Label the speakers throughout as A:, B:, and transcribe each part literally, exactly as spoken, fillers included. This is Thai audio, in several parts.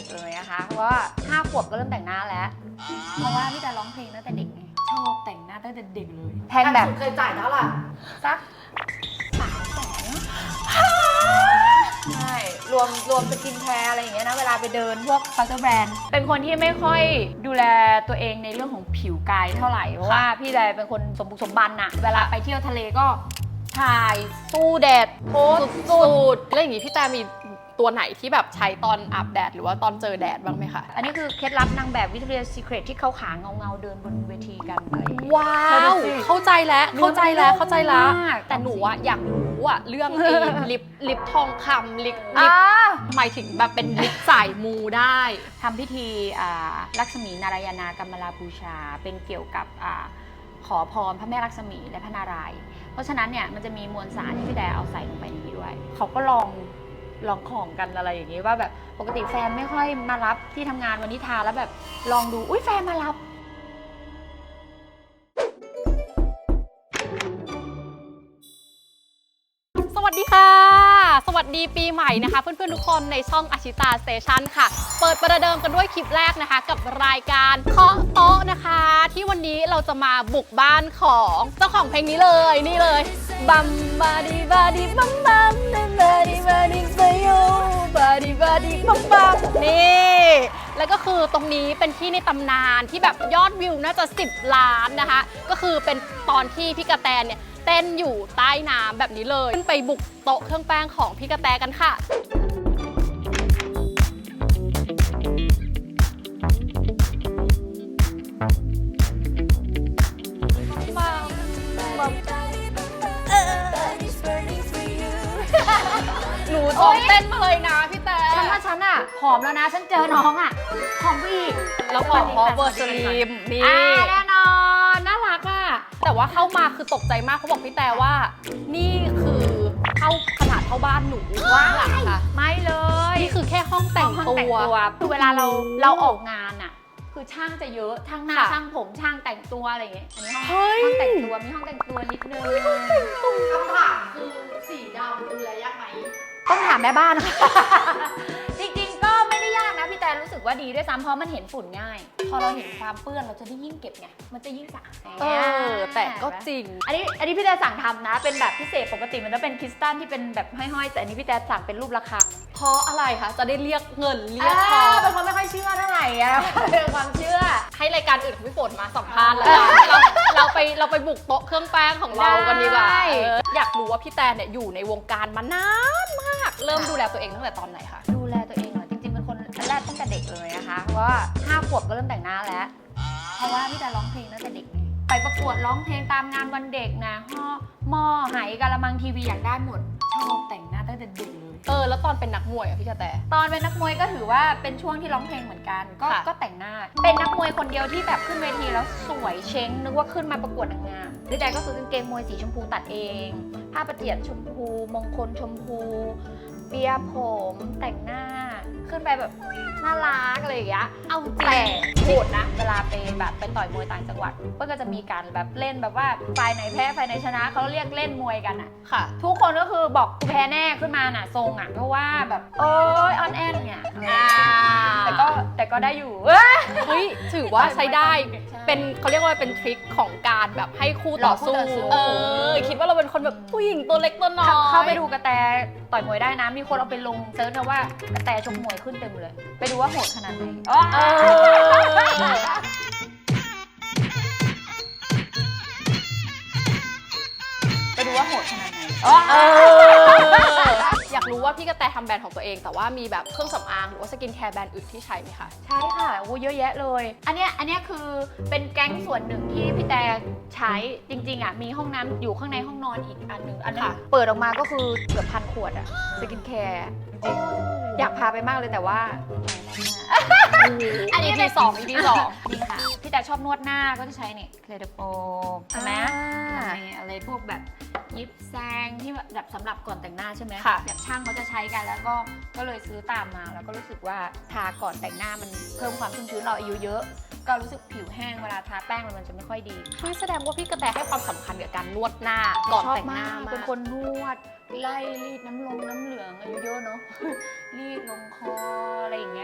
A: เลยนะคะเพราะว่าห้าขวบก็เริ่มแต่งหน้าแล้วเพราะว่าพี่แต่ร้องเพลงตั้งแต่เด็กไงชอบแต่งหน้าตั้งแต่เด็กเลยแพงแบบ
B: เคยจ่ายเท่าไหร่
A: สักสามแสนใช่รวมรวมสกินแคร์อะไรอย่างเงี้ยนะเวลาไปเดินพวกเคาน์เตอร์แบรนด์เป็นคนที่ไม่ค่อยดูแลตัวเองในเรื่องของผิวกายเท่าไหร่เพราะว่าพี่แต่เป็นคนสมบุกสมบันอะเวลาไปเที่ยวทะเลก็ถ่ายสู้แดดโพส
C: สุดๆแล้วอย่างนี้พี่แต่มีตัวไหนที่แบบใช้ตอนอาบแดดหรือว่าตอนเจอแดดบ้างไหมคะ
A: อันนี้คือเคล็ดลับนางแบบวิทยาซีเครตที่เขาขาเงาเงาเดินบนเวทีกันอะไร
C: ว้าวเข้าใจแล้วเข้าใจแล้วเข้าใจแล้วแต่หนูอะอยากรู้อะเรื่องไอ้ลิปลิปทองคำลิปลิปหมายถึงแบบเป็นลิปสายมูได้
A: ทำพิธีลักษมีนารายณากรรมลาบูชาเป็นเกี่ยวกับขอพรพระแม่ลักษมีและพระนารายณ์เพราะฉะนั้นเนี่ยมันจะมีมวลสารที่พี่แดเอาใส่ลงไปในนี้ด้วยเขาก็ลองลองของกันอะไรอย่างนี้ว่าแบบปกติแฟนไม่ค่อยมารับที่ทำงานวันนี้ทาแล้วแบบลองดูอุ้ยแฟนมารับ
C: สวัสดีค่ะสวัสดีปีใหม่นะคะเพื่อนๆทุกคนในช่องอาชิตาสเตชันค่ะเปิดประเดิมกันด้วยคลิปแรกนะคะกับรายการเคาะโต๊ะนะคะที่วันนี้เราจะมาบุกบ้านของเจ้าของเพลงนี้เลยนี่เลยบัมบาดีบาดีบัมบัมบาดีบาดีเซโยบาดีบาดีบัมบัมนี่แล้วก็คือตรงนี้เป็นที่ในตำนานที่แบบยอดวิวน่าจะสิบล้านนะคะก็คือเป็นตอนที่พี่กระแตเนี่ยเต้นอยู่ใต้น้ำแบบนี้เลยขึ้นไปบุกโต๊ะเครื่องแป้งของพี่กระแตกันค่ะหนูซ้อมเต้นมาเลยนะพี่แต่
A: ฉันว่าฉันอะผอมแล้วนะฉันเจอน้องอะผอมอีก
C: แล้วผอมเพราะเวอร์สลีมนี่
A: แน่นอนน่ารักอะ
C: แต่ว่าเข้ามาคือตกใจมากเขาบอกพี่แต่ว่านี่คือเข้าขนาดเท่าบ้านหนู
A: ว้าวค่ะไม่เลย
C: นี่คือแค่ห้องแต่งตัว
A: คือเวลาเราเราออกงานอะคือช่างจะเยอะช่างหน้าช่างผมช่างแต่งตัวอะไรอย่างเงี้ยอันนี้ห้องห้องแต่งตัวมีห้องแต่งตัวนิดนึง
B: คำถามคือสีดำดูแลยากไหม
A: ต้องถามแม่บ้านจริงๆก็ไม่ได้ยากนะพี่แต่รู้สึกว่าดีด้วยซ้ำเพราะมันเห็นฝุ่นง่ายพอเราเห็นความเปื้อนเราจะได้ยิ่งเก็บไงมันจะยิ่งสะอาด
C: เออแต่ก็จริง
A: อันนี้อันนี้พี่แต่สั่งทำนะเป็นแบบพิเศษปกติมันจะเป็นคริสตัลที่เป็นแบบห้อยๆแต่อันนี้พี่แต่สั่งเป็นรูประฆัง
C: เพราะอะไรคะจะได้เรียกเงินเรียกทอง
A: เป็นคนไม่ค่อยเชื่อเท่าไหร่อะเป็นความเชื่อ
C: ให้รายการอื่นของพี่ฝนมาสัมภาษณ์แล้วเราเราไปเราไปบุกโต๊ะเครื่องแป้งของเรากันดีกว่าอยากรู้ว่าพี่แต่เนี่ยอยู่ในวงการมานานมากเริ่มดูแลตัวเองตั้งแต่ตอนไหนคะ
A: ดูแลตัวเองเหรอจริงๆเป็นคนแรกตั้งแต่เด็กเลยนะคะเพราะว่าห้าขวบก็เริ่มแต่งหน้าแล้วเพราะว่าพี่แต่ร้องเพลงตั้งแต่เด็กไปประกวดร้องเพลงตามงานวันเด็กนะห่อหม้อไหกะละมังทีวีอยากได้หมดชอบแต่งหน้าตั้งแต่เด็กเลย
C: เออแล้วตอนเป็นนักมวยอะพี่กระแต
A: ตอนเป็นนักมวยก็ถือว่าเป็นช่วงที่ร้องเพลงเหมือนกันก็ก็แต่งหน้าเป็นนักมวยคนเดียวที่แบบขึ้นเวทีแล้วสวยเช้งนึกว่าขึ้นมาประกวดนางงามหรือใจก็คือกางเกงมวยสีชมพูตัดเองผ้าประเจียดชมพูมงคลชมพูเปียผมแต่งหน้าขึ้นไปแบบน่ารักอะไรอย่างเงี้ยเอาแต่โหดนะเวลาไปแบบไปต่อยมวยต่างจังหวัดก็จะมีการแบบเล่นแบบว่าฝ่ายไหนแพ้ฝ่ายไหนชนะเขาเรียกเล่นมวยกันอ่ะ
C: ค่ะ
A: ทุกคนก็คือบอกกูแพ้แน่ขึ้นมาน่ะทรงอ่ะเพราะว่าแบบโอ๊ยออนแอนเนี่ยแต่ก็แต่ก็ได้อยู่
C: เฮ้ยถือว่าใช้ได้เป็นเขาเรียกว่าเป็นทริคของการแบบให้คู่ต่อสู้เออคิดว่าเราเป็นคนแบบผู้หญิงตัวเล็กตัวน้อย
A: เข้าไปดูกระแตต่อยมวยได้นะมีคนเอาไปลงเซิร์ชนะว่ากระแตชกมวยขึ้นเต็มเลยไปดูว่าโหดขนาดไหนไปดูว่าโหดขนาดไหน
C: อยากรู้ว่าพี่กระแตทำแบรนด์ของตัวเองแต่ว่ามีแบบเครื่องสำอางหรือว่าสกินแคร์แบรนด์อื่นที่ใช้ไหมคะ
A: ใช่ค่ะโอ้เยอะแยะเลยอันเนี้ยอันเนี้ยคือเป็นแก๊งส่วนหนึ่งที่พี่แต่ใช้จริงๆอ่ะมีห้องน้ำอยู่ข้างในห้องนอนอีกอันหนึ่งอันนึงเปิดออกมาก็คือเกือบพันขวดอะสกินแคร์จริงอยากพาไปมากเลยแต่ว่า
C: อันนี้ อี พี สอง อี พี สอง
A: นี่ค่ะพี่แต่ชอบนวดหน้าก็จะใช้เนี่ยเคลเดโปใช่ไหมอะไรพวกแบบยิบแซงที่แบบสำหรับก่อนแต่งหน้าใช่ไหมแบบช่างเขาจะใช้กันแล้วก็ก็เลยซื้อตามมาแล้วก็รู้สึกว่าทาก่อนแต่งหน้ามันเพิ่มความชุ่มชื้นเราอายุเยอะก็รู้สึกผิวแห้งเวลาทาแป้งมันจะไม่ค่อยดี
C: คือแสดงว่าพี่กระแตให้ความสำคัญกับการนวดหน้าก่อนแต่งหน้า
A: เป็นคนนวดไล่รีดน้ำลงน้ำเหลืองอายุเยอะเนาะรีดลงคออะไรอย่างเงี้ย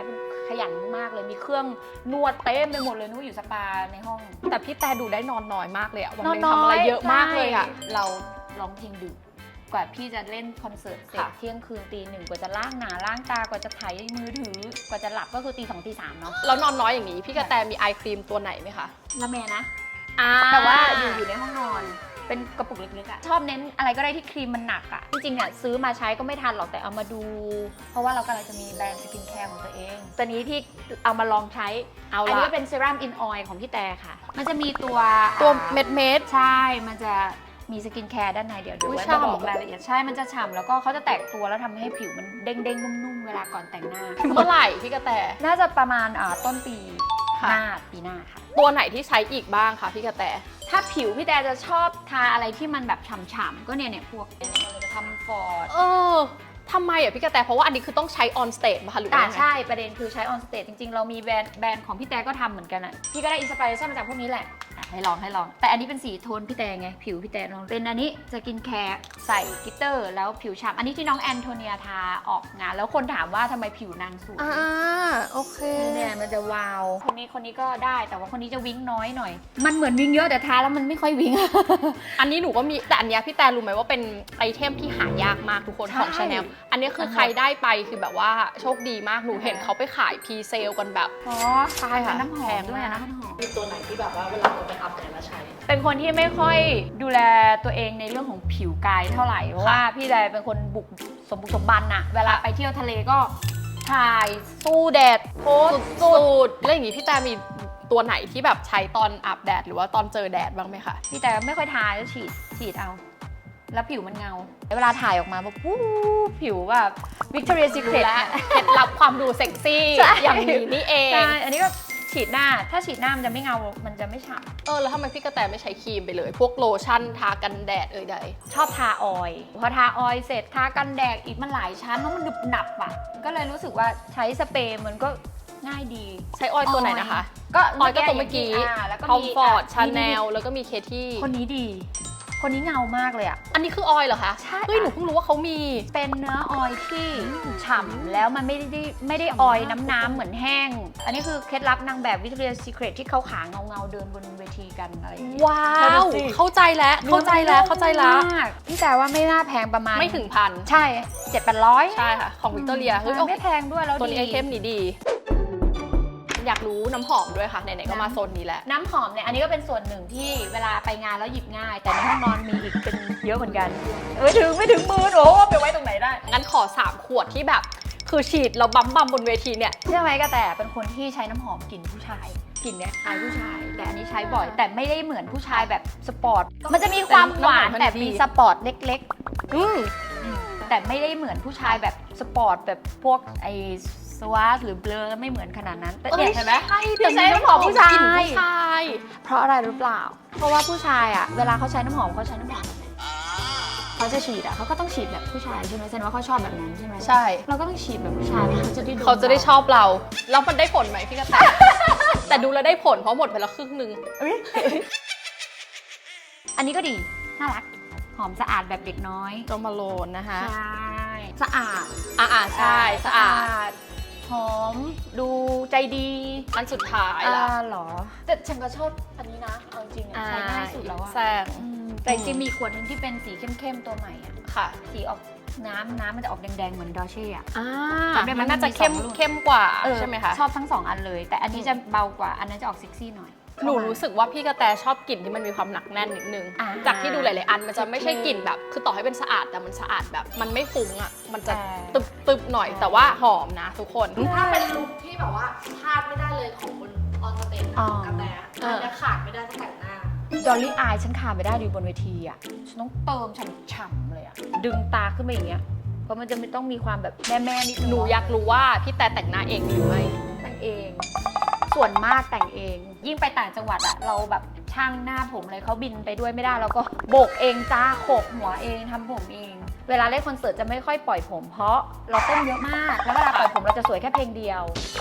A: ขยันมากเลยมีเครื่องนวดเต็มไปหมดเลยนึกว่าอยู่สปาในห้อง
C: แต่พี่แต่ดูได้นอนน้อยมากเลยอะวันหนึงทำอะไรเยอะมากเลยอะ
A: ใช่เราร้องเพลงดึกกว่าพี่จะเล่นคอนเสิร์ตเสร็จ
C: ค่ะ
A: เที่ยงคืนตีหนึ่งกว่าจะล้างหน้าล้างตากว่าจะถ่ายมือถือกว่าจะหลับก็คือตีสองตีสามเนาะ
C: แล้วนอนน้อยอย่างนี้พี่กระแตมีไอครีมตัวไหนไหมคะ
A: ละแมนะ
C: อ่า
A: แต่ว่าอยู่อยู่ในห้องนอนเป็นกระปุกเล็กๆอะชอบเน้นอะไรก็ได้ที่ครีมมันหนักอะจริงๆเนี่ยซื้อมาใช้ก็ไม่ทันหรอกแต่เอามาดู เพราะว่าเรากำลังจะมีแบรนด์สกินแคร์ของตัวเองตัวนี้ที่เอามาลองใช้
C: เอา
A: อันนี้
C: ละ
A: ก็เป็นเซรั่มอินออยล์ของพี่แต่ค่ะ มันจะมีตัว
C: ตัว
A: อ่า
C: เม็ดเม็ด
A: ใช่ มันจะมีสกินแคร์ด้านในเดี๋ยวเดี๋ยว
C: อุ๊ย
A: ไว้
C: ฉ่ำ
A: มาบอกรายละเอียดใช่ มันจะฉ่ำแล้วก็เขาจะแตกตัวแล้วทำให้ผิวมันเด้งๆนุ่มๆเวลาก่อนแต่งหน้า
C: เมื่อไหร่พี่กระแต
A: น่าจะประมาณอ่าต้นปี
C: ค่ะ
A: หน้าปีหน้าค่ะ
C: ตัวไหนที่ใช้อีกบ้างคะพี่กระแต
A: ถ้าผิวพี่แต่จะชอบทาอะไรที่มันแบบฉ่ำๆก็เนี่ยเนี่ยพวกเนี่ยเราจะทำฟอร์ด
C: เออทำไมอ่ะพี่กระแตเพราะว่าอันนี้คือต้องใช้ออนสเตจมาคะหรือ
A: อ่า
C: ว่ายังไง
A: ใช่ประเด็นคือใช้ออนสเตจจริงๆ เรามีแบรนด์แบรนด์ของพี่แต่ก็ทำเหมือนกันอ่ะพี่ก็ได้อินสปิเรชันมาจากพวกนี้แหละอ่ะให้ลองให้ลอง แต่อันนี้เป็นสีโทนพี่แต่ไงผิวพี่แต่ลองเป็นอันนี้สกินแคร์ใส่กลิตเตอร์แล้วผิวฉ่ำอันนี้ที่น้องแอนโทเนียทาออกงาน แล้วคนถามว่าทำไมผิวนางสวย
C: อ่าโอเค
A: เนี่ยมันจะวาว คนนี้คนนี้ก็ได้แต่ว่าคนนี้จะวิ้งน้อยหน่อย มันเหมือนวิ้งเยอะแต่ทาแล้วมันไม่ค่อยวิ้ง
C: อันนี้หนูก็มีแต่อันเนี้ยพี่แต่รู้ไหมว่าเป็นไอเทมที่หายากมากทุกคน
A: ใช่
C: ของ Chanel อันนี้คือใครได้ไปคือแบบว่าโชคดีมากหนูเห็นเขาไปขายพรีเซลกันแบบ
A: อ๋อ
C: ใช่ค่ะ
A: เป็นน้ำหอมด้วย
C: แพงมาก
A: นะน้ำหอม
C: มีตัวไหนที่แบบว่าเวลาเราไปอัพเนี่ยมาใช้
A: เป็นคนที่ไม่ค่อยดูแลตัวเองในเรื่องของผิวกายเท่าไหร่เพราะว่าพี่แดเป็นคนบุกสมบุกสมบันอะเวลาไปเที่ยวทะเลก็ถ่ายสู้แดดโพสต์
C: สุดๆแล้วอย่างนี้พี่แต่มีตัวไหนที่แบบใช้ตอนอาบแดดหรือว่าตอนเจอแดดบ้างไหมคะ
A: พี่แต่ไม่ค่อยทาจะฉีดฉีดเอา แล้วผิวมันเงาเวลาถ่ายออกมาแบบวู้ผิวแบบ Victoria's
C: รู้
A: Secret
C: แล้วเคล็ดลับความดูเซ็กซี่
A: ใช่
C: อย่างนี้นี่เอง
A: ใช่ อันนี้ก็ฉีดหน้า ถ้าฉีดหน้ามันจะไม่เงา มันจะไม่ฉ่
C: เออแล้วทำไมพี่กระแตไม่ใช้ครีมไปเลย พวกโลชั่นทากันแดดเอ่ยใด
A: ำชอบทาออยล์พอทาออยล์เสร็จทากันแดดอีกมันหลายชั้นแล้วมันหนึบหนับอ่ะ ก็เลยรู้สึกว่าใช้สเปรย์มันก็ง่ายดี
C: ใช้ออยล์ตัวไหนนะคะ
A: ก็
C: ออยล์ก็ตัวเมื่อกี้
A: าแล้วก็
C: คอม
A: มี
C: ฟอร์ต
A: ะ
C: ชาแน
A: นี่
C: ลแล้วก็มีเคที่
A: คนนี้ดี คนนี้เงามากเลยอ่ะ
C: อันนี้คือออยล์เหรอคะ
A: ใช่
C: เฮ้ยหนูเพิ่งรู้ว่าเขามี
A: เป็นเนื้อออยล์ที่ฉ่ำแล้วมันไม่ได้ไม่ได้ออยล์น้ำๆเหมือนแห้ง อันนี้คือเคล็ดลับนางแบบ Victoria's Secret ที่เขาขาเงาเงาๆเดินบนเวทีกันอะไรอย่างเงี้ย
C: ว้า
A: แล้ว
C: ว
A: ดูสิ
C: เข้าใจแล้ว เข้าใจแล้ว เข้าใจแล้ว
A: มากพี่แต่ว่าไม่น่าแพงประมาณ
C: ไม่ถึงพัน
A: ใช่เจ็ดแปดร้อย
C: ใช่ค่ะ ของวิกตอเรียเฮ้ยโอเค
A: ไม่แพงด้วยแล้ว
C: ตัวนี้ไอ
A: ดี
C: เทมนี้ดี อยากรู้น้ำหอมด้วยค่ะ ไหนๆก็มาโซนนี้แล้ว
A: น้ำหอมเนี่ยอันนี้ก็เป็นส่วนหนึ่งที่เวลาไปงานแล้วหยิบง่าย แต่ในห้องนอนมีอีกเป็นเยอะเหมือนกันเออถึงไม่ถึงมือโอ้ไปไว้ตรงไหนได้
C: งั้นขอสามขวดที่แบบ คือฉีดเราบัมบัมบนเวทีเนี่ย
A: เชื่อไหมก็แต่เป็นคนที่ใช้น้ำหอมกลิ่นผู้ชายกลิ่นเนี่ยคล้ายผู้ชาย แต่อันนี้ใช้บ่อย แต่ไม่ได้เหมือนผู้ชายแบบสปอร์ตมันจะมีความหวาน
C: แต่
A: แต่
C: น้ำหอมมันดี
A: มีสปอร์ตเล็ก
C: อืม
A: ๆ แต่ไม่ได้เหมือนผู้ชายแบบสปอร์ตแบบพวกไอสวาสหรือเบลอไม่เหมือนขนาดนั้นแต่เนี่ยเห็นไหม
C: ใช่
A: พี่ใช้น้ำหอมผู้ชาย
C: กลิ่นผู้ชาย
A: เพราะอะไรหรือเปล่า เพราะว่าผู้ชายอ่ะเวลาเขาใช้น้ำหอมเขาใช้น้ำหอมแบบไหนเขาจะฉีดอ่ะเขาก็ต้องฉีดแบบผู้ชายใช่ไหมแสดงว่าเขาชอบแบบนั้นใช่ไหม
C: ใช่
A: เราก็ต้องฉีดแบบผู้ชายเขาจะได้ดม
C: เขาจะได้ชอบเรา แล้วมันได้ผลไหมพี่กระแต แต่ดูแล้วได้ผลเพราะหมดไปแล้วครึ่งหนึง
A: เอ้ยอันนี้ก็ดีน่ารักหอมสะอาดแบบเด็กน้อย
C: โจมาโลนนะคะ
A: ใช่สะอาด
C: อ่าใช่สะอาด
A: ดหอมดูใจดี
C: อันสุดท้าย
A: อ่า
C: ละ
A: เหรอแต่ฉันก็ชอบอันนี้นะเอาจริงๆอะใช้ง่ายสุดแล้วอะ
C: แซง
A: อืมแต่จริงๆมีขวดหนึงที่เป็นสีเข้มๆตัวใหม่อะ
C: ค่ะ
A: สีออกน้ำน้ำมันจะออกแดงๆเหมือนดอเช่อะ
C: อ่า
A: จำได้ไหม
C: มันน่าจะ
A: มันมี
C: เข้ม
A: สองรุ่น
C: เข้มกว่า
A: เออ
C: ใช่ไหมคะ
A: ชอบทั้งสองอันเลย แต่อันนี้จะเบากว่าอันนั้นจะออกเซ็กซี่หน่อย
C: หนูรู้สึกว่าพี่กระแตชอบกลิ่นที่มันมีความหนักแน่นนิดนึง
A: อ่า
C: จากที่ดูหลายๆอันมันจะไม่ใช่กลิ่นแบบ คือต่อให้เป็นสะอาดแต่มันสะอาดแบบ มันไม่ฟุ้งอ่ะ มันจะ
A: อ่า
C: ตึบตึบๆหน่อย แต่ว่าหอมนะทุกคน
B: ถ้าเป็นลุคที่แบบว่าพลาดไม่ได้เลยของบนออนสเตจ
A: อ๋อ
B: กระแตอันเนี้ยขาดไม่ได้ตั้งแต่งหน้า
A: ดอลลี่อายฉันขาดไม่ได้ดูบนเวทีอ่ะฉันต้องเติมฉ่ำๆเลยอ่ะดึงตาขึ้นมาอย่างเงี้ยเพราะมันจะไม่ต้องมีความแบบแม่ๆนิดนึง
C: หนูอยากรู้ว่าพี่แต่แต่งหน้าเองหรือไม่
A: แต่งเอง ส่วนมากแต่งเอง ยิ่งไปต่างจังหวัดอะเราแบบช่างหน้าผมเลยเขาบินไปด้วยไม่ได้เราก็โบกเองจ้าโขกหัวเองทำผมเอง เวลาเล่นคอนเสิร์ตจะไม่ค่อยปล่อยผม เพราะเราเต้นเยอะมาก แล้วเวลาปล่อยผมเราจะสวยแค่เพลงเดียว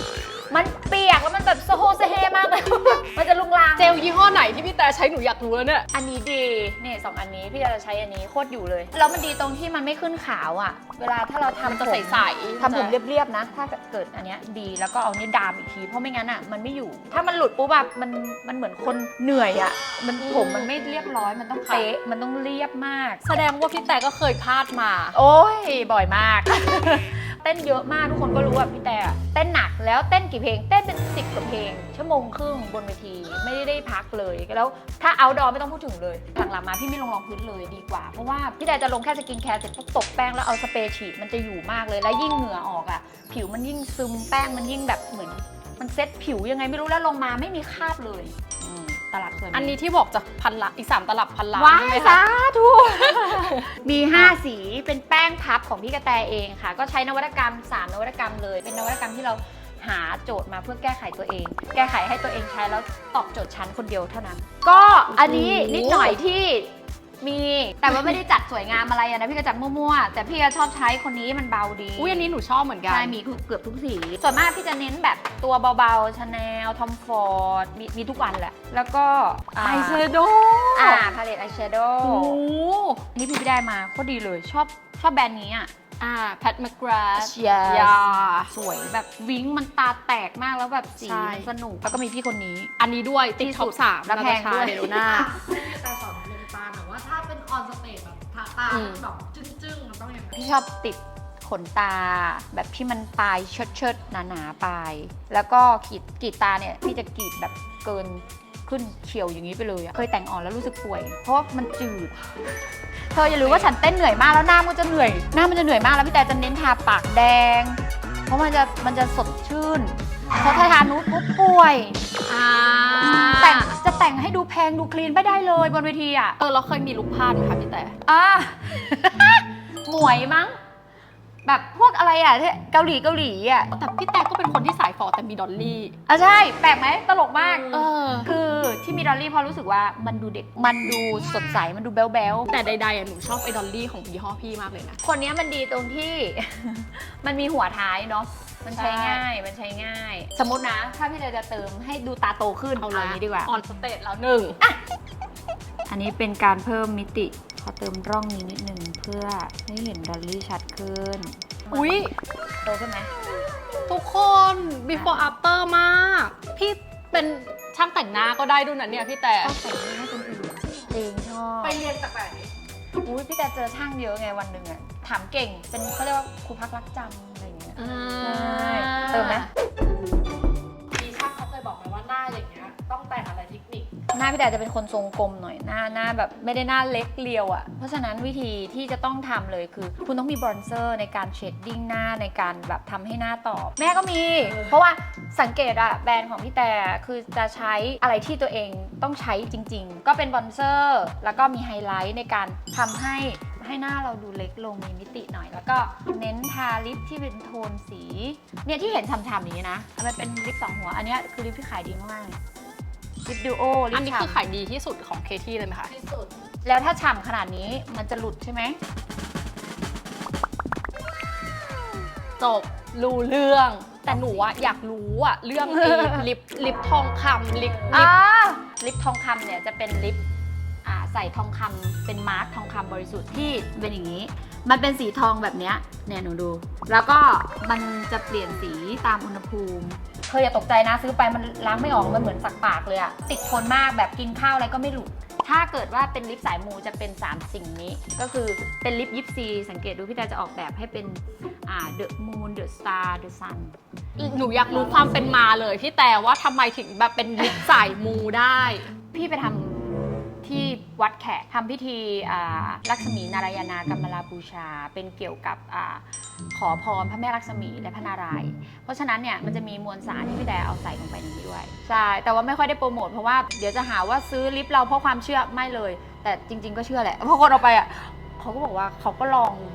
A: มันเปียกแล้วมันแบบโซโฮเซเฮมากเลย มันจะลุงลาง
C: เจลยี่ห้อไหนที่พี่แต่ใช้หนูอยากรู้แล้วเนี่ย
A: อันนี้ดีเนี่ยสองอันนี้พี่จะใช้อันนี้โคตรอยู่เลยแล้วมันดีตรงที่มันไม่ขึ้นขาวอ่ะเวลาถ้าเราทำ
C: มันจะ
A: ผม
C: ใสๆ
A: ทำผมเรียบๆนะถ้าเกิดอันเนี้ยดีแล้วก็เอาเนี่ยดามอีกทีเพราะไม่งั้นอ่ะมันไม่อยู่ ถ้ามันหลุดปุ๊บแบบมันมันเหมือนคนเหนื่อยอ่ะมันผมมันไม่เรียบร้อยมันต้องเป๊ะมันต้องเรียบมาก
C: แสดงว่าพี่แต่ก็เคยพลาดมา
A: โอ้ยบ่อยมาก เต้นเยอะมากทุกคนก็รู้ว่าพี่แต่เต้นหนักแล้วเต้นกี่เพลงเต้นเป็นสิบกว่าเพลงชั่วโมงครึ่งบนเวทีไม่ได้พักเลยแล้วถ้าเอาดอไม่ต้องพูดถึงเลยหลังๆมาพี่ไม่ลงรองพื้นเลยดีกว่าเพราะว่าพี่แต่จะลงแค่สกินแคร์เสร็จปุ๊บตบแป้งแล้วเอาสเปรย์ฉีดมันจะอยู่มากเลยแล้วยิ่งเหงื่อออกอ่ะผิวมันยิ่งซึมแป้งมันยิ่งแบบเหมือนมันเซ็ตผิวยังไงไม่รู้แล้วลงมาไม่มีคราบเลยตลับสวย
C: อันนี้ที่บอกจะพันละอีกสามตลับพันละ
A: ว้า
C: ใช่ไหม
A: ย
C: คะ
A: สาธุมีห้าสีเป็นแป้งพับของพี่กระแตเองค่ะก็ใช้นวัตกรรมสามนวัตกรรมเลยเป็นนวัตกรรมที่เราหาโจทย์มาเพื่อแก้ไขตัวเอง แก้ไขให้ตัวเองใช้แล้วตอบโจทย์ชั้นคนเดียวเท่านั้น ก็อันนี้นิดหน่อยที่มีแต่ว่าไม่ได้จัดสวยงามอะไรอะนะพี่ก็จัดมั่วๆแต่พี่ก็ชอบใช้คนนี้มันเบาดี
C: อุ้ยอันนี้หนูชอบเหมือนกัน
A: ใช่มีเกือบทุกสีส่วนมากพี่จะเน้นแบบตัวเบาๆชาแนลทอมฟอร์ดมีมีทุกวันแหละแล้วก็
C: ไอแชโด
A: อ่าพาเลตไอแชโด
C: โอ้
A: ว์นี่พี่ได้มาโคตรดีเลยชอบชอบแบรนด์นี้อ่ะ
C: อ่าแพทแมคกราส
A: Yes
C: ยา
A: สวยแบบวิ้งมันตาแตกมากแล้วแบบสี
C: ใช่
A: สนุกแล้วก็มีพี่คนนี้
C: อันนี้ด้วยติดท็อปสาม
A: และแพงด้วย
C: เดโลน่า
B: แต่สอนลงตาหน่อยว่าถ้าเป็นออนสเตจแบบทาตา
C: อืม
B: แบบจึ้งๆมันต้องอย่างไร
A: พี่ชอบติดขนตา แบบที่มันปลายเชิดเชิดๆหนาๆปลาย แล้วก็ขีดกรีดตาเนี่ยพี่จะกรีดแบบเกินขึ้นเฉียวอย่างนี้ไปเลยอะเคยแต่งอ่อนแล้วรู้สึกป่วย เพราะว่ามันจืด เธออย่าลืมว่าฉันเต้นเหนื่อยมากแล้วหน้ามันจะเหนื่อย หน้ามันจะเหนื่อยมากแล้วพี่แต่จะเน้นทาปากแดง เพราะมันจะมันจะสดชื่นเพราะถ้าทานุชปุ๊บป่วย
C: อ่า
A: แต่งจะแต่งให้ดูแพงดูคลีนไม่ได้เลยบนเวทีอ่ะ
C: เออเราเคยมีลุคพลาดไหมคะพี่แต่
A: อ่า หมวยมั้ง แบบพวกอะไรอ่ะที่เกาหลีเกาหลีอ่ะ
C: แต่พี่แต่ก็เป็นคนที่สายฟอแต่มีดอลลี่
A: อ่ะใช่ แปลกไหมตลกมาก
C: เออ
A: คือที่มีดอลลี่เพราะรู้สึกว่ามันดูเด็ก มันดูสดใส มันดูแบ๊วๆ
C: แต่ใดๆอ่ะหนูชอบไอ้ดอลลี่ของยี่ห้อพี่มากเลยนะ
A: คนนี้มันดีตรงที่ มันมีหัวท้ายเนาะ มันใช้
C: ใช่
A: ง่าย มันใช้ง่าย สมมตินะ ถ้าพี่เลยจะเติมให้ดูตาโตขึ้น
C: เอา
A: เอา
C: ละ
A: นี้ดีกว่า
C: ออนสเตจแล้วหนึ่ง
A: อันนี้เป็นการเพิ่มมิติ ขอเติมร่องนี้นิดนึงเพื่อให้เห็นดอลลี่ชัดขึ้น
C: อุ๊ย
A: โตขึ้นไหม
C: ทุกคน before after มาก พี่เป็นช่างแต่งหน้าก็ได้ด้วยนะเนี่ยพี่แต่
A: ชอบแต่งหน้าให้คนอื่นจริงชอบ
B: ไปเรียนจากไหน
A: อุ้ยพี่แต่เจอช่างเยอะไงวันหนึ่งอะถามเก่ง เป็นเขาเรียกว่าครูพักรักจำอะไรอย่างเงี้ย ใช่เติมไหม
B: มีช่างเขาเคยบอกไหมว่าหน้าอย่างเงี้ยต้องแต่งอะไรเทคนิค
A: หน้าพี่แต่จะเป็นคนทรงกลมหน่อยหน้าหน้าแบบไม่ได้หน้าเล็กเรียวอะ่ะเพราะฉะนั้นวิธีที่จะต้องทำเลยคือ คุณต้องมีบรอนเซอร์ในการเชดดิ้งหน้าในการแบบทำให้หน้าตอบ แม่ก็มี เพราะว่าสังเกตอะแบรนด์ของพี่แต่คือจะใช้อะไรที่ตัวเองต้องใช้จริง ๆ ก็เป็นบรอนเซอร์แล้วก็มีไฮไลท์ในการทำให้ให้หน้าเราดูเล็กลงมีมิติหน่อย แล้วก็เน้นทาลิปที่เป็นโทนสีเนี่ยที่เห็นฉ่ำๆอย่างนี้นะมันเป็นลิปสองหัวอันเนี้ยคือลิปที่ขายดีมากๆลิปดูโอลิ
C: อั
A: ป
C: นนี้
A: ฉ่ำ
C: คือขายดีที่สุดของเคที่เลยไหมคะ
B: ที่สุด
A: แล้วถ้าฉ่ำขนาดนี้มันจะหลุดใช่ไหม
C: จบรู้เรื่อง แต่หนูอะอยากรู้อะเรื่องไอ้ลิปลิปทองคำลิปลิ
A: อ่า
C: ป
A: ลิปทองคำเนี่ยจะเป็นลิปอ่าใส่ทองคำเป็นมาร์คทองคำบริสุทธิ์ที่เป็นอย่างนี้ มันเป็นสีทองแบบเนี้ยเนี่ยหนูดู แล้วก็มันจะเปลี่ยนสีตามอุณหภูมิเธออย่าตกใจนะซื้อไปมันล้างไม่ออกมันเหมือนสักปากเลยอะติดทนมากแบบกินข้าวอะไรก็ไม่หลุด ถ้าเกิดว่าเป็นลิปสายมูจะเป็นสามสิ่งนี้ ก็คือเป็นลิปยิปซีสังเกตดูพี่แต่จะออกแบบให้เป็นอ่า The Moon The Star The Sun
C: หนูอยากรู้ความเป็นมาเลยพี่แต่ว่าทำไมถึงแบบเป็นลิปสายมูได้
A: พี่ไปทำที่วัดแขกทำพิธีอ่าลักษมีนารายณากรรมลาบูชา เป็นเกี่ยวกับอาขอพรพระแม่ลักษมีและพระนารายณ์เพราะฉะนั้นเนี่ยมันจะมีมวลสารที่พี่แต่เอาใส่ลงไปในนี้ด้วยใช่แต่ว่าไม่ค่อยได้โปรโมทเพราะว่าเดี๋ยวจะหาว่าซื้อลิปเราเพราะความเชื่อไม่เลย แต่จริง ๆ ก็เชื่อแหละเพราะคนเอาไปอ่ะเขาก็บอกว่าเขาก็ลอง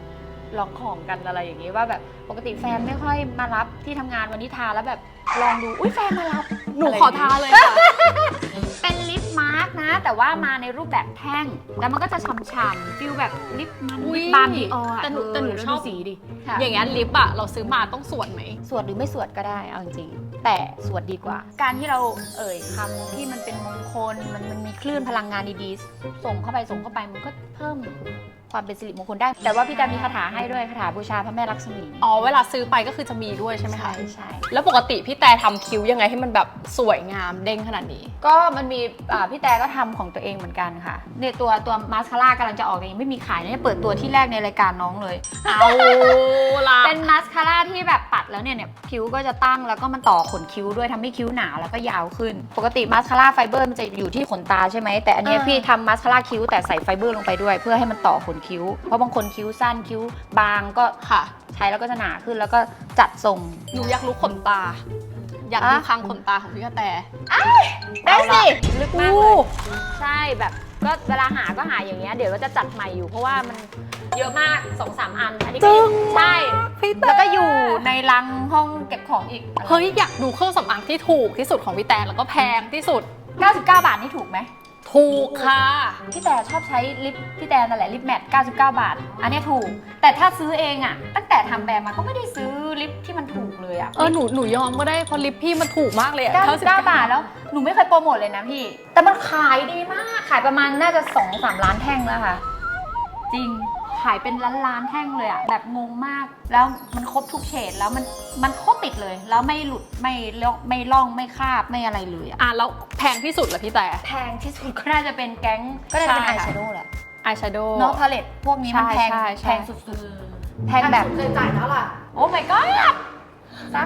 A: ลองของกันอะไรอย่างงี้ว่าแบบปกติแฟนไม่ค่อยมารับที่ทำงานวันนี้ทาแล้วแบบลองดูอุ้ยแฟนมารับ
C: หนูขอทาเลยค่ะ
A: เป็นลิปมาร์กนะ แต่ว่ามาในรูปแบบแท่งแล้วมันก็จะฉ่ำๆฟิลแบบลิปมัน
C: อุ๊ย
A: ลิปบาล์มดีออร์
C: แต่หนูแต่หนูชอบ
A: สีดิ
C: อย่างงั้นลิปอะเราซื้อมาต้องสวดไหม
A: สวดหรือไม่สวดก็ได้เอาจริงๆแต่สวดดีกว่า การที่เราเอ่ยคำที่มันเป็นมงคลมันมันมีคลื่นพลังงานดีๆส่งเข้าไปส่งเข้าไปมันก็เพิ่มความเป็นสิริมงคลได้ แต่ว่าพี่แตมมีคาถาให้ด้วยคาถาบูชาพระแม่ลักษมี
C: อ๋อเวลาซื้อไปก็คือจะมีด้วยใช่ไหมคะ
A: ใช่ใช่
C: แล้วปกติพี่แต่ทำคิ้วยังไงให้มันแบบสวยงามเด้งขนาดนี้
A: ก็มันมีอ่าพี่แต่ก็ทำของตัวเองเหมือนกันค่ะเนี่ยตัวตัวมาสคาร่ากำลังจะออกยังไม่มีขายนะเนี่ยเปิดตัวที่แรกในรายการน้องเลย
C: เอาละ
A: เป็นมาสคาร่าที่แบบปัดแล้วเนี่ยเนี่ยคิ้วก็จะตั้งแล้วก็มันต่อขนคิ้วด้วยทำให้คิ้วหนาแล้วก็ยาวขึ้น ปกติมาสคาร่าไฟเบอร์มันจะอยู่ที่ขนตาใช่ไหมแต่อันเนี้ยพี่ทำมาสคาร่าคิ้วแต่ใส่ไฟเบอร์ลงไปด้วย เพื่อให้มันต่อขนคิ้วเพราะบางคนคิ้วสั้นคิ้วบางก็
C: ค่ะ
A: ใช้แล้วก็จะหนาขึ้นแล้วก็จัดทรง
C: หนูอยากรู้ขนตา อยากดูคางขนตาของพี่กระแต
A: ได้สิลึกมากเลย
C: อู้
A: ใช่แบบก็เวลาหาก็หาอย่างเงี้ยเดี๋ยวเราจะจัดใหม่อยู่เพราะว่ามันเยอะมาก สองสาม อันอันนี้ก็
C: จึ้ง
A: ใช่
C: พี่แต่
A: แล้วก็อยู่ในรังห้องเก็บของอีก
C: เฮ้ยอยากดูเครื่องสำอางที่ถูกที่สุดของพี่แต่แล้วก็แพงที่สุด
A: เก้าสิบเก้า บาทนี่ถูกไหม
C: ถูกค่ะ
A: พี่แต่ชอบใช้ลิปพี่แต่นั่นแหละลิปแมทเก้าสิบเก้า บาท อันเนี้ยถูก แต่ถ้าซื้อเองอะตั้งแต่ทำแบรนด์มาก็ไม่ได้ซื้อลิปที่มันถูกเลยอะ
C: เออหนูหนูยอมก็ได้เพราะลิปพี่มันถูกมากเลยอะ
A: เก้าสิบเก้า บาทแล้วหนูไม่เคยโปรโมทเลยนะพี่ แต่มันขายดีมากขายประมาณน่าจะ สองสาม ล้านแท่งแล้วค่ะ จริงขายเป็นล้านล้านๆแท่งเลยอะแบบงงมากแล้วมันครบทุกเฉดแล้วมันมันโคตรติดเลย แล้วไม่หลุดไม่ล่องไม่ล่องไม่คาบไม่อะไรเลยอะ
C: อ่ะแล้วแพงที่สุดเหรอพี่แต่
A: แพงที่สุดก็น่าจะเป็นแก๊งก็น่าจะเป็น
C: ใช่
A: อาย
C: ค่ะ
A: แชโดว์แหละ
C: อายแชโดว์
A: เนาะพาเลตพวกนี้มันแพง
C: ใช่ใช่
A: แพงสุดๆ แพงแบบ
B: เคยจ่ายเท่าไหร่
A: โอ้ my god สัก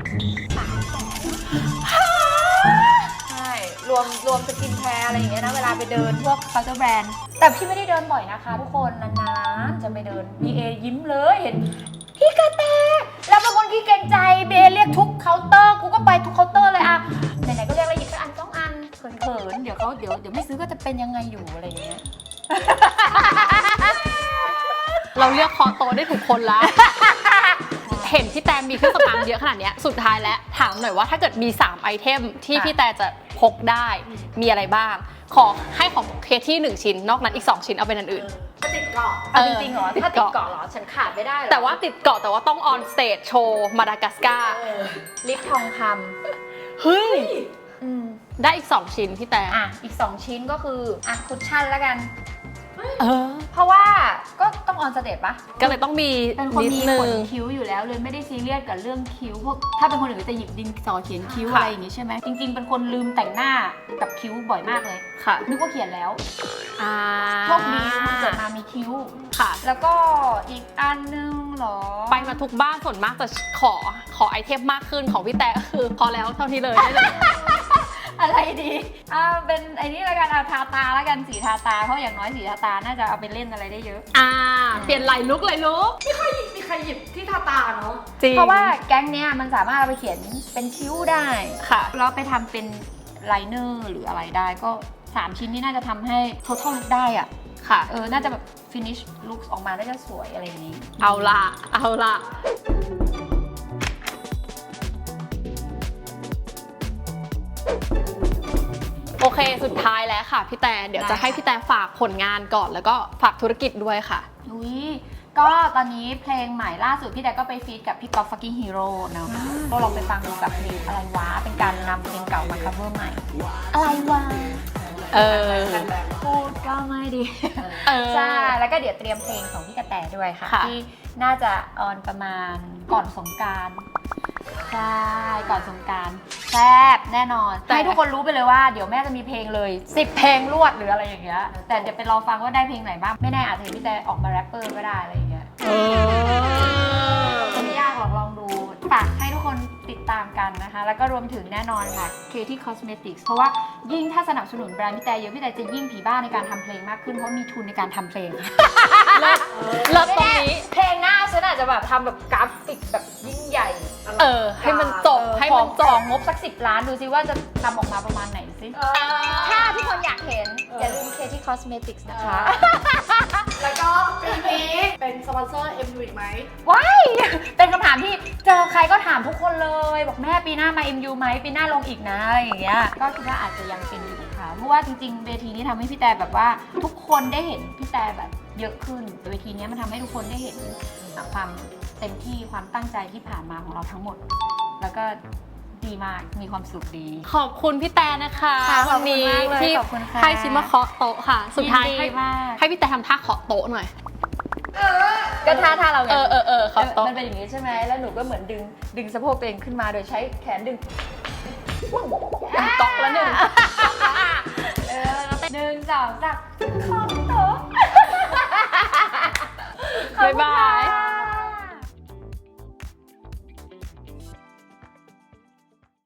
A: ใช่รวมรวมสกินแคร์อะไรอย่างเงี้ยนะเวลาไปเดินพวกเคาน์เตอร์แบรนด์แต่พี่ไม่ได้เดินบ่อยนะคะทุกคนนานๆจะไปเดินบีเอยิ้มเลยเห็นพี่กระแตแล้วเป็นคนที่เกรงใจเบเรียกทุกเคาน์เตอร์กูก็ไปทุกเคาน์เตอร์เลยอะไหนๆก็เรียกแล้วหยิบไปอันสองอันเขินๆเดี๋ยวเขาเดี๋ยวเดี๋ยวไม่ซื้อก็จะเป็นยังไงอยู่อะไรอย่างเงี้ย
C: เราเลือกคอโตะได้ถูกคนละ เห็นพี่แตนมีเครื่องสำอางเยอะขนาดเนี้ยสุดท้ายแล้วถามหน่อยว่าถ้าเกิดมีสามไอเทมที่
A: ค่ะ
C: พี่แตนจะพกได้มีอะไรบ้าง ขอให้ของเคที่หนึ่งชิ้นนอกนั้นอีกสองชิ้นเอาเป็นอันอื่น
B: ก็ติดเกาะ
A: เอาจริงๆเหรอ
C: ติด
A: ถ้าติด
C: เกาะ
A: เกาะเหรอ ฉันขาดไม่ได้เหรอ
C: แต่ว่าติดเกาะแต่ว่าต้องออนสเตจโชว์มาดากัสการ์
B: เออ
A: ลิปทองค
C: เฮ้ย
A: ำอืม
C: ได้อีกสองชิ้นพี่แตน
A: อ่ะ อีก สอง ชิ้นก็คือ อ่ะ คุชชั่นแล้วกัน
C: เออ
A: เพราะว่าก็ต้องออนสเตจปะ
C: ก็เลยต้องมี
A: เป็นคน
C: นิด
A: มี
C: นึ
A: ขน
C: ง
A: คิ้วอยู่แล้วเลยไม่ได้ซีเรียสกับเรื่องคิ้วพวกถ้าเป็นคนอื่นก็จะหยิบดินสอเขียนคิ้ว
C: ค่ะ
A: อะไรอย่างงี้ใช่ไหมจริง ๆ เป็นคนลืมแต่งหน้ากับคิ้วบ่อยมากเลย
C: ค่ะ
A: นึกว่าเขียนแล้ว
C: อ่า
A: โชคดีมันเกิดมามีคิ้ว
C: ค่ะ
A: แล้วก็อีกอันนึงเหรอ
C: ไปมาทุกบ้านส่วนมากจะขอขอไอเทมมากขึ้นของพี่แต่ก็คือพอแล้วเท่านี้เลยได้เลย
A: อะไรดีอ่าเป็นไอ้นี่ละกันเอาทาตาละกันสีทาตาเพราะอย่างน้อยสีทาตาน่าจะเอาไปเล่นอะไรได้เยอะ
C: อ่า เปลี่ยนไหลลุกเลยลุก
B: มีใครหยิบที่ทาตาเนาะ
C: จริง
A: เพราะว่าแก๊งเนี้ยมันสามารถเอาไปเขียนเป็นคิ้วได้
C: ค่ะ
A: แล้วไปทำเป็นไลเนอร์หรืออะไรได้ก็สามชิ้นนี้น่าจะทำให้ total look ได้อะ
C: ค่ะ
A: เออน่าจะแบบ finish look ออกมาน่าจะสวยอะไรอย่างนี้
C: เอาละเอาละโอเคสุดท้ายแล้วค่ะพี่แต่เดี๋ยว
A: ได้
C: จะให้พี่แต่ฝากผลงานก่อนแล้วก็ฝากธุรกิจด้วยค่ะ
A: อุ้ยก็ตอนนี้เพลงใหม่ล่าสุดพี่แต่ก็ไปฟีดกับพี่ก๊อฟฟักกิ้งฮีโร่เนาะก็ลองไปฟังดูกับเพลงอะไรวะเป็นการนำเพลงเก่ามา cover ใหม่ อะไรวะ
C: เออ
A: พูดก็ไม่ดี
C: เออ
A: ใช่ แล้วก็เดี๋ยวเตรียมเพลงของพี่กระแตด้วยค่ะ
C: ค่ะ
A: ที่น่าจะออนประมาณก่อนสงกรานต์ใช่ ก่อนสงกรานต์แซ่บแน่นอน ให้ทุกคนรู้ไปเลยว่าเดี๋ยวแม่จะมีเพลงเลยสิบเพลงรวดหรืออะไรอย่างเงี้ย แต่เดี๋ยวไปรอฟังว่าได้เพลงไหนบ้าง ไม่แน่อาจจะเห็นพี่แต่ออกมาแรปเปอร์ก็ได้อะไรอย่างเงี้ย
C: เออ
A: ไม่ยากหรอกลองดู ฝากให้ทุกคนติดตามกันนะคะ แล้วก็รวมถึงแน่นอนค่ะ Katie Cosmetics เพราะว่ายิ่งถ้าสนับสนุนแบรนด์พี่แต่เยอะพี่แต่จะยิ่งผีบ้าในการทำเพลงมากขึ้นเพราะมีทุนในการทำเพลง
C: เลิศเลิศตรงนี้
A: เพลงหน้าฉันอาจจะแบบทำแบบกราฟิกแบบยิ่งใหญ่
C: เออ ให้มันจบ ให้
A: ของ
C: จ
A: ข
C: บ
A: องงบสักสิบล้านดูซิว่าจะทำออกมาประมาณไหนสิ
B: เออ
A: ถ้าทุกคนอยากเห็น
B: เออ
A: อ
B: อ
A: ย่าลืม Katie Cosmetics นะคะ
B: แล้วก็ปีนี้เป็นสปอนเซอร์เอ็มยูอีกไหม
A: ว้าย เป็นคำถามที่เจอใครก็ถามทุกคนเลย บอกแม่ปีหน้ามา เอ็ม ยู ไหมปีหน้าลงอีกนะอะไรอย่างเงี้ย ก็คิดว่าอาจจะยังเป็นอยู่ค่ะ เพราะว่าจริงๆ เวทีนี้ทำให้พี่แต่แบบว่าทุกคนได้เห็นพี่แต่แบบเยอะขึ้น เวทีนี้มันทำให้ทุกคนได้เห็นความเต็มที่ความตั้งใจที่ผ่านมาของเราทั้งหมด แล้วก็ดีมาก มีความสุขดี
C: ขอบคุณพี่แตนะคะ
A: ค่ะขอบ
C: วัน
A: คุณ
C: นี้
A: มากเลย
C: ที่
A: ขอบคุณค่ะ
C: ให้ชิมมาเคาะโต๊ะค่ะ สุดท้าย
A: ยิน
C: ให้
A: มาก
C: ให้พี่แตทำท่าเคาะโต๊ะหน่อย
A: ก็ท่าท่าเราไง
C: เออเออเออเคาะโต๊ะ
A: มันเป็นอย่างนี้ใช่ไหม แล้วหนูก็เหมือนดึงดึงสะโพกตัวเองขึ้นมาโดยใช้แขนดึง
C: ก๊อกแล้วหนึ่ง